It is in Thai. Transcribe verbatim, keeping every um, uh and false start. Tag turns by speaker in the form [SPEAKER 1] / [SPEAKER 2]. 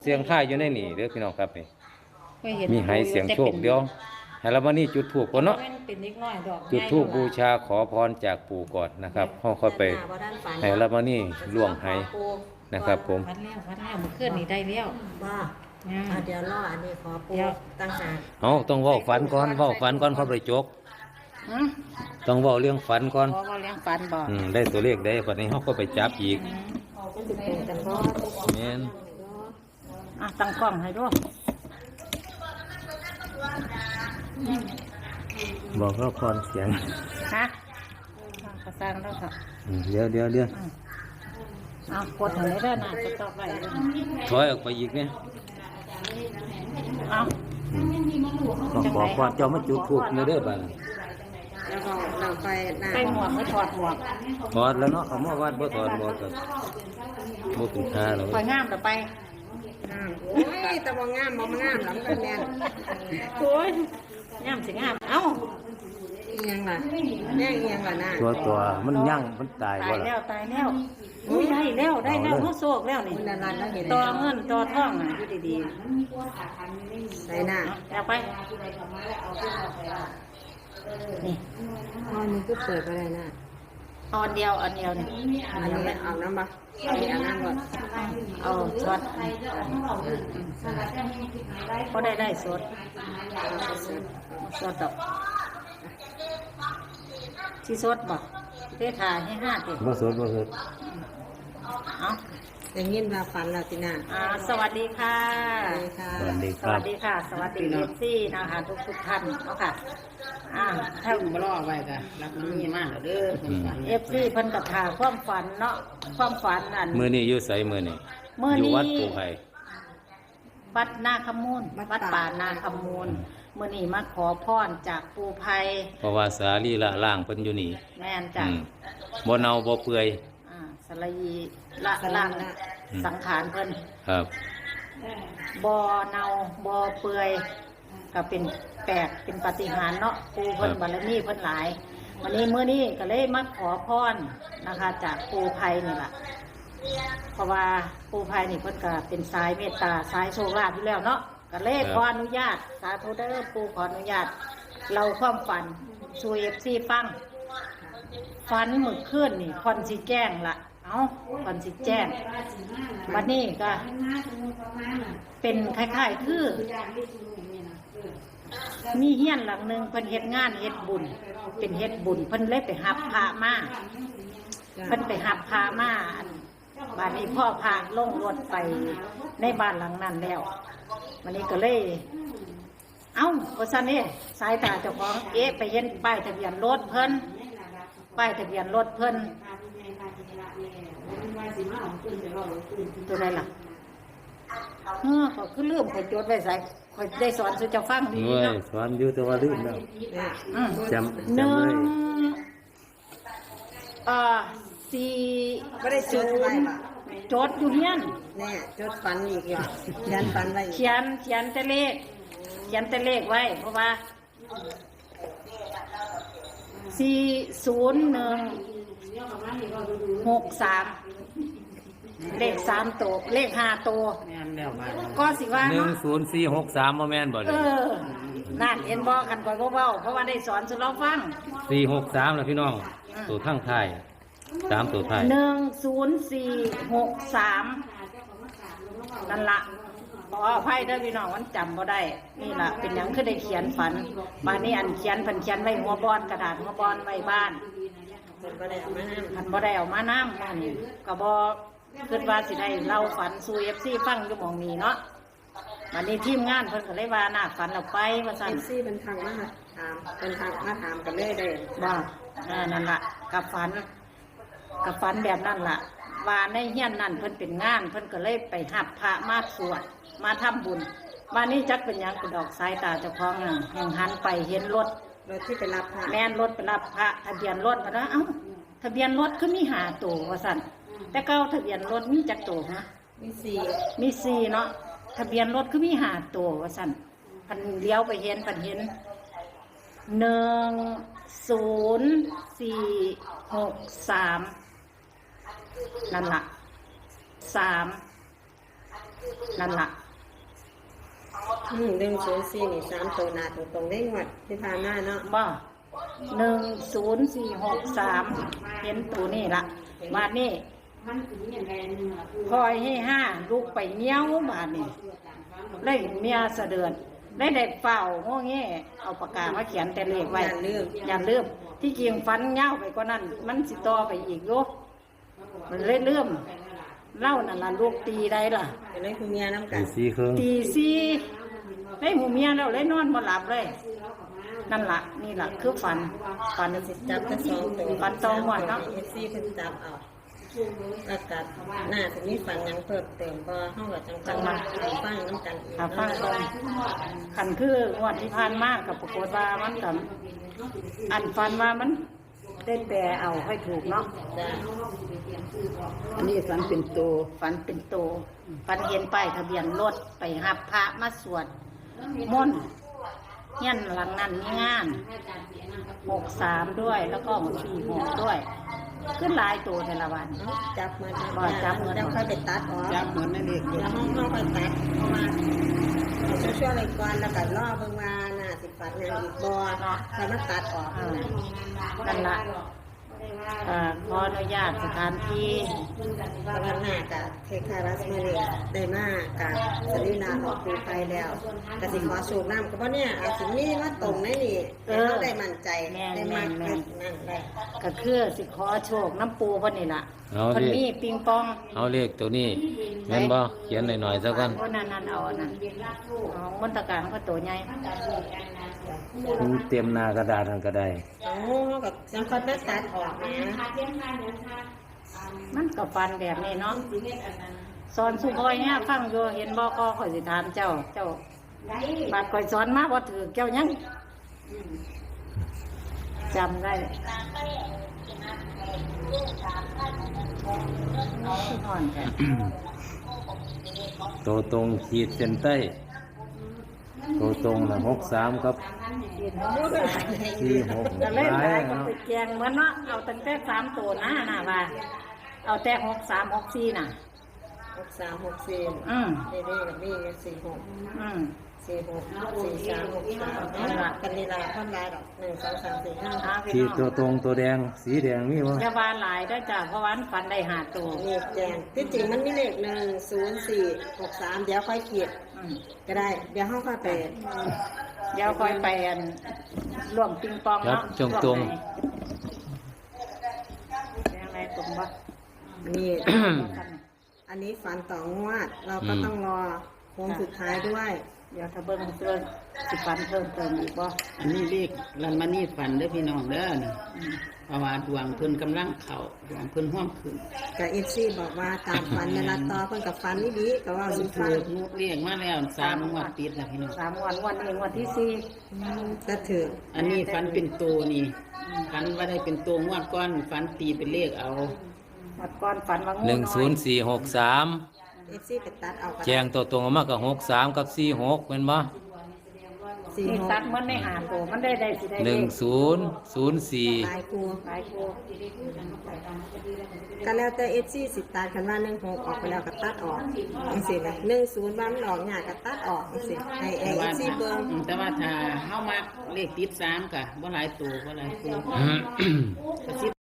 [SPEAKER 1] เสียงค่ายอยู่ในนี่เด้อพี่น้องครับนี่
[SPEAKER 2] เคยเห็น
[SPEAKER 1] มีให้เสียงโชคเดียวให้เรามานี่จุดธูปก่อนเนาะ
[SPEAKER 2] เป็นเล็กน้อยดอก
[SPEAKER 1] จุดธูปบูชาขอพรจากปู่ก่อนนะครับเฮาค่อยไปให้เรามานี่ล่วงให้นะครับผม
[SPEAKER 2] ฟันแล้วฟันแล้วมันขึ้นนี่ได้แล้ว
[SPEAKER 3] ว่า
[SPEAKER 2] อ่า
[SPEAKER 3] อ่ะเดี๋ยวรออันนี้ขอปูตั้งหาก
[SPEAKER 1] เฮาต้องเว้าฝันก่อนเว้าฝันก่อนค่อยไปจก
[SPEAKER 2] ฮะ
[SPEAKER 1] ต้องเว้าเรื่องฝันก่อน
[SPEAKER 2] พอว่าเลี้ยงฟันบ่
[SPEAKER 1] อืมได้ตัวเลขได้บัดนี้เฮาก็ไปจับอีก
[SPEAKER 3] มันจะเป็นกันบ่
[SPEAKER 1] แม่น
[SPEAKER 2] อ่ะตั้งกล้องให้ด้วย
[SPEAKER 1] บอกเราก่อนเสียง
[SPEAKER 2] ฮะกระซังแล้วค่ะ
[SPEAKER 1] อืมเดี๋ยวเดี๋ยวเดี๋ยว
[SPEAKER 2] เอากดให้ได้นะจะต่อไป
[SPEAKER 1] ถอยออกไปอีกเนี่ย
[SPEAKER 2] เอา
[SPEAKER 1] อืมต้องบอกก่อนเจ้ามาจุดธูปเด้อบัดนี้
[SPEAKER 3] แล้วก็เราไปหน้า
[SPEAKER 2] ไปหมวกไม่ถอดหมวก
[SPEAKER 1] ถอดแล้วเนาะเขามาวัดบ่ถอดบ่ก็บ่ถึงค่าแล้ว
[SPEAKER 2] คอยงามต่อไป
[SPEAKER 3] งามโอ้ยแต่ว่างามบ่งามหลังกันแม่น
[SPEAKER 2] โอ้ยงามสิงาม เอ้า
[SPEAKER 3] อีหยังล่ะแม่อีหยังล่ะน่ะ
[SPEAKER 1] ตัวตัวมันยั่งมันตาย
[SPEAKER 2] ตา
[SPEAKER 1] บ่
[SPEAKER 2] ย
[SPEAKER 1] ล่ะ
[SPEAKER 2] แล้วตายแล้วอุ้ยได้แล้วได้แล้วเขาโศกแล้วนี่
[SPEAKER 3] คุณนันรันแล้วเห็น
[SPEAKER 2] ต่อเงินต่อท่องอ่ะอยู่ดี
[SPEAKER 3] ใส่หน้า
[SPEAKER 2] ๆเอาไปนี่
[SPEAKER 3] อ๋อนี่ก็เปิดไปเลยนะ
[SPEAKER 2] เอาอันเดียวอันเดียวนี่
[SPEAKER 3] อันนี้เอาน้ำบ่เอาอันน้ำก่อน
[SPEAKER 2] เอาช็อตก็ได้ได้สดสดดอกที่สดบอกเทถ่ายให้ห้าเต็ม
[SPEAKER 1] บ่สดบ่สด
[SPEAKER 2] เอา
[SPEAKER 3] อย่างนี้มาฝันแล้วติน่า
[SPEAKER 2] อ่าสวัสดีค่ะ
[SPEAKER 3] สวัสดีค่ะ
[SPEAKER 1] สวัสดี
[SPEAKER 2] ส
[SPEAKER 1] ครั
[SPEAKER 2] วั
[SPEAKER 1] บ
[SPEAKER 2] สดีค่ะ สวัสดีเอฟซีนะคะทุกทุกๆท่านเนาะค่ะอ่าถ้า
[SPEAKER 4] บ่รอไว้ก็รับมันมีมากแล้วเด้อเพิ่นฝัน
[SPEAKER 2] เอฟซีเพิ่นกับถาความฝันเนาะความฝันนั่น
[SPEAKER 1] มื้อนี้อยู่ไสมื้อนี้
[SPEAKER 2] มื้อนี้
[SPEAKER 1] อยู่วัดปู่ไผ
[SPEAKER 2] วัดนาคมูลวัดป่านาคมูลมื้อนี้มาขอพรจากปู่ไพ
[SPEAKER 1] เพราะว่าสาลีละล่างเพิ่นอยู่นี่
[SPEAKER 2] แม่นจ้ะ
[SPEAKER 1] อืมบ่เน่าบ่เปื่อย
[SPEAKER 2] อ่าสลายีละล่างสังขารเพิ่น
[SPEAKER 1] ครับ
[SPEAKER 2] บ่เนาบ่เปื่อยก็เป็นแปลกเป็นปาฏิหาริย์เนาะปู่เพิ่นบารมีเพิ่นหลาย วันนี้มื้อนี้ก็เลยมาขอพรนะคะ จากปู่ไพนี่ล่ะ เพราะว่าปู่ไพนี่เพิ่นก็เป็นสายเมตตาสายโชคลาภอยู่แล้วเนาะก็เลยขออนุญาตสาธุเด้อปู่ขออนุญาตเราความฝันสู่ เอฟ ซี ฟังฝันมื้อคืนนี่คอนสิแจ้งล่ะเอ้าคอนสิแจ้งวันนี้ก็เป็นคล้ายๆคือมีเฮียนหลังหนึงเพิ่นเฮ็ดงานเฮ็ดบุญ เป็นเฮ็ดบุญเพิ่นเลยไปหับพระมาเพิ่นไปหับพระมาอันบ้านนี้พ่อพาลงรถไปในบ้านหลังนั้นแล้ววันนี้ก็เลย เอ้าว่าซั่นนี่สายตาเจ้าของเอ๊ะไปเห็นป้ายทะเบียนรถเพิ่นป้ายทะเบียนรถเพิ่นตัวใดล่ะเออก็คือลืมข่อยจดไว้ใส่ข่อยได้สอนสู่เจ้าฟังดี
[SPEAKER 1] เว้ย
[SPEAKER 2] เนาะ
[SPEAKER 1] สอนอยู่แต่ว่าลืมแล้ว
[SPEAKER 3] เนี่ย
[SPEAKER 2] อืม
[SPEAKER 1] จำ
[SPEAKER 2] ห
[SPEAKER 1] จำ
[SPEAKER 2] นึ่
[SPEAKER 1] เลย
[SPEAKER 2] งเอ่อสี่
[SPEAKER 3] ไม่ได้จดไว้บ่
[SPEAKER 2] จดอยู่เฮียน
[SPEAKER 3] แน่จดฝันอีกแล้วยันฝันไว้อีก
[SPEAKER 2] เขียนเขียนแต่เลข เขียนแต่เลขไว้ เพราะว่าสี่ศูนย์หนึ่งหกสามเลขสามตัวเลขห้าตัว
[SPEAKER 4] แม่นแล้วมา
[SPEAKER 2] ก็สิว่า
[SPEAKER 1] หนึ่ง
[SPEAKER 2] เนาะ
[SPEAKER 1] ศูนย์สี่หกสามบ่แม่นบ่
[SPEAKER 2] เอ
[SPEAKER 1] เด้อ
[SPEAKER 2] อนั่นเห็นบอกกันก่อนเบาๆเพราะว่าได้สอนสุเราฟัง
[SPEAKER 1] สี่หกสามแล้วพี่น้องตัวทั้งท้ายสามตัวท้าย
[SPEAKER 2] หนึ่งศูนย์สี่หกสามนั่นละขออภัยเด้อพี่น้องมันจำบ่ได้ นี่ล่ะเป็นหยังคือได้เขียนฝันบานนี้อันเขียนเพันเขียนไว้หัวบอนกระดาษหัวบอนไว้บ้าน
[SPEAKER 3] เพิ่นบ่ได้เอามาน้ำ
[SPEAKER 2] อันบ่ได้เอามาน้ำอันนี้ก็บ่คิดว่าสิได้เล่าฝันสู่ เอฟ ซี ฟังอยู่หม่องนี้เนาะวันนี้ทีมงานเพิ่นก็เลยว่าน่าฝันเอาไปว่าซั่น
[SPEAKER 3] เอฟซีเป็นทางมาถามเป็นทางมาถามกันเลยได้
[SPEAKER 2] บ่เออนั่นล่ะกับฝันกับฝันแบบนั้นล่ะ ว่าในเฮียนนั่นเพิ่นเป็นงาน เพิ่นก็เลยไปหับพระมาสวดมาทำบุญวันนี้จักเป็นหยังกระดอกสายตาเจ้าของนั่นแห่งหันไปเห็นรถ
[SPEAKER 3] รถที่ไปรับพระ
[SPEAKER 2] แม่นรถไปรับพระทะเบียนรถมาแล้วเอ้าทะเบียนรถคือมีหาตัวว่าสั่นแต่เก้าทะเบียนรถมีจักตัวฮะ
[SPEAKER 3] มีสี่
[SPEAKER 2] มีสี่เนาะทะเบียนรถคือมีหาตัวว่าสั่นพันเลี้ยวไปเห็นพันเห็นหนึ่งศูนย์สี่หกสามนั่นล่ะสามนั่นล่ะ
[SPEAKER 3] อืมหนึ่งศูนย์สี่นี่สามตัวหน้าตรงๆได้งวดที่ผ่านมาเนาะ
[SPEAKER 2] บ่หนึ่งศูนย์สี่หกสามเห็นตัวนี่ละบาทนี่คอยให้ห้าลูกไปเงี้ยวบาทนี่เลยเมียเสดือนได้เด็กเฝ้าโง่เงี้เอาปากกามาเขียนแต่เลขไว้
[SPEAKER 3] อย่าลืม
[SPEAKER 2] อย่าลืมที่จริงฟันเงี้ยวไปกว่านั้น มันสิต่อไปอีกโยมันเลยเลื่อมเล่านั่นล่ะลูกตีได้ล่ะ
[SPEAKER 3] เป็นเรื่องคุณเมียน้ำกั
[SPEAKER 1] ตี
[SPEAKER 3] น
[SPEAKER 1] สี่ครึ่ง
[SPEAKER 2] ตีสี่ได้หูเมียแล้วเลยนอนบ่หลับเลย นั่นล่ะนี่ล่ะคือฝันฝัน
[SPEAKER 3] จับทั้งสองตัว
[SPEAKER 2] ฝันตองหมดเนาะ
[SPEAKER 3] เอฟซีเพิ่นจับเอาแล้วก็หน้าจะมีฝันหยังเพิ่มเติมบ่เฮาก็จังจังมาฟังน้ำกันอีก
[SPEAKER 2] ถ้าฟังตรงขันคืองวดที่ผ่านมากกับปรากฏว่ามันกับอันฟันว่ามันได้แปลเอาให้ถูกเนาะ
[SPEAKER 3] จ้ะ
[SPEAKER 4] อันนี้ฝันเป็นโต
[SPEAKER 2] ฝันเป็นโตฝันเห็นป้ายทะเบียนรถไปหับพระมาสวดมนต์เงี้ยนหลังนั้นมีงานหกสามด้วยแล้วก็สี่หกด้วย ขึ้นหลายตัวแต่ละวัน
[SPEAKER 3] จับมา
[SPEAKER 2] บ่จับมา
[SPEAKER 3] แล้วค่อยไปตัดออก
[SPEAKER 4] จับเหมือนนั่นเอง
[SPEAKER 3] เดี๋ยวห้องเข้าไปตัดเพราะว่าเอาช่วยๆอะไรก่อนแล้วก็รอเบิ่งว่าหน้าสิฝันหยังอีกบ่เนาะค่อยมาตัดออก
[SPEAKER 2] เออนั่นละเอ่อขออนุญาตสถานที่
[SPEAKER 3] ว่าวันหน้าก็เทคารัสมาเลยได้มากกับสรีนาออกปูไปแล้วก็สิขอสูบน้ำก็เพราะเนี่ยอาจสิมีมาตรงในนี่ให้เราได้มั่นใจได้มากนั่นได้
[SPEAKER 2] ก็คือสิขอโชคน้ำปูเพิ่นนี่ล่ะ
[SPEAKER 1] เอา
[SPEAKER 2] เพิ่น
[SPEAKER 1] เล
[SPEAKER 2] มี
[SPEAKER 1] ข
[SPEAKER 2] ปิงปอง
[SPEAKER 1] เอาเลขตัวนี้แม่นบ่เขียนหน่อยๆซะก่อน
[SPEAKER 2] เพราะนั่นนั่นเอาอันนั่นเอามนตการก็ตัวใหญ่
[SPEAKER 1] มันเตรียมหน้ากระดาษทันก็ได้
[SPEAKER 3] โอ้ก็ยังค่อยไปตัดออกนะ
[SPEAKER 2] มันก็ฟันแบบนี้เนาะสอนสุพอยเนี่ยฟังอยู่เห็นบ่ก็ข่อยสิถามเจ้า เจ้าบาดข่อยสอนมาบ่ถือเจ้ายังจำได้นอนแท้
[SPEAKER 1] ตัวตรงขีดเส้นใต้ตัวตรงน่ะหกสามครับสี่หก
[SPEAKER 2] จะเล่น
[SPEAKER 1] หลา
[SPEAKER 2] ได้
[SPEAKER 1] ย
[SPEAKER 2] ก็
[SPEAKER 1] เนาะ
[SPEAKER 2] ไปแกงเหมือนเนาะเอาตั้งแต่สามตัวนะน่ะว่าเอาแต่หกสามหกสี่น่ะ
[SPEAKER 3] หกสามหกสี่
[SPEAKER 2] อืม
[SPEAKER 3] นี่นี่กับนี่สี่หก
[SPEAKER 2] อืม
[SPEAKER 3] สี่หกสี่สามหกสามนี่ละกันนี่ละท่อนลายดอกหนึ่งสองสามสี่ห้า
[SPEAKER 2] เอาพี่
[SPEAKER 1] ขีด
[SPEAKER 2] น้
[SPEAKER 1] ตัว
[SPEAKER 2] อง
[SPEAKER 1] ตรงตัวแดงสีแดงมีบ่
[SPEAKER 2] อย่าว่าหลายเด้อจ้ะเพราะว่ามันฟันได้หาตัว
[SPEAKER 3] นี่แจงที่จริงมันมีเลขหนึ่งศูนย์สี่หกสามเดี๋ยวค่อยเขียน
[SPEAKER 2] อืม
[SPEAKER 3] ก็ได้ เดี๋ยวห้องค่อยไป
[SPEAKER 2] เดี๋ยวคอยไปอันร่วมปิงปอง
[SPEAKER 1] ครับ
[SPEAKER 2] เนาะ
[SPEAKER 1] ตรงตรง
[SPEAKER 2] ยังไงตรงบ่
[SPEAKER 3] นี่ อันนี้ฝันต่องวด เราก็ต้องรอโค้งสุดท้ายด้วย
[SPEAKER 2] เดี๋ยวถ้าเบิ่งเสื้อสิฟันเพิ่มเติมอีกบ่
[SPEAKER 4] อันนี้เลขลันมานี่ฝันเด้อพี่น้องเด้อนี่เพราะว่าดวงเพิ่นกำลังเข้าดวงเพิ่นห้อมขึ้น
[SPEAKER 3] กับเอฟซีบอกว่าตามฝันเวลาต่อเพิ่นกับฝันนี่ดีก็ว่า
[SPEAKER 4] เพิ่
[SPEAKER 3] สุ
[SPEAKER 4] น
[SPEAKER 3] ด
[SPEAKER 4] ถู
[SPEAKER 3] ฟัง
[SPEAKER 4] กนุกเรียกมาแล้วสามงวดติดแล้วพี่น้อง
[SPEAKER 2] สามวันวันนี้วันที่สี่
[SPEAKER 3] ก็ถือ
[SPEAKER 4] อันนี้ฝันเป็นโตนี่ฝันว่าได้เป็นโตงวดก้อนฝันตีเป็นเลขเอา
[SPEAKER 2] วัดก่อนฝันว่างู
[SPEAKER 1] หนึ่งศูนย์
[SPEAKER 2] น้อย
[SPEAKER 1] สี่หกสาม
[SPEAKER 3] เอฟซีไปตัดเอา
[SPEAKER 1] แจงตัวตรงออกมากับหกสามกับสี่หกเป็นบ่
[SPEAKER 3] สี่
[SPEAKER 2] นี่
[SPEAKER 3] หก
[SPEAKER 2] ตัดมันได้หาตัวมันได้ได้สิได้
[SPEAKER 1] หนึ่ง
[SPEAKER 2] เลข
[SPEAKER 1] ศูนย์ศูนย์สี่
[SPEAKER 3] หลายครู
[SPEAKER 2] หลายตัว
[SPEAKER 3] ก็แล้วแต่เอฟซีสิตัดคันว่าหนึ่งหกออกไปแล้วก็ตัดออกจังซี่นะหนึ่งศูนย์ว่ามันออกยากก็ตัดออกจังซี่ให้เอ
[SPEAKER 4] แต่ว่า
[SPEAKER 3] ฟซีเบิ่ง
[SPEAKER 4] อืมแต่ว่าถ้าเฮามักเลขติดสามกะบ่หลายตัวบ่หลายตัว
[SPEAKER 1] อืม
[SPEAKER 4] ก็สิ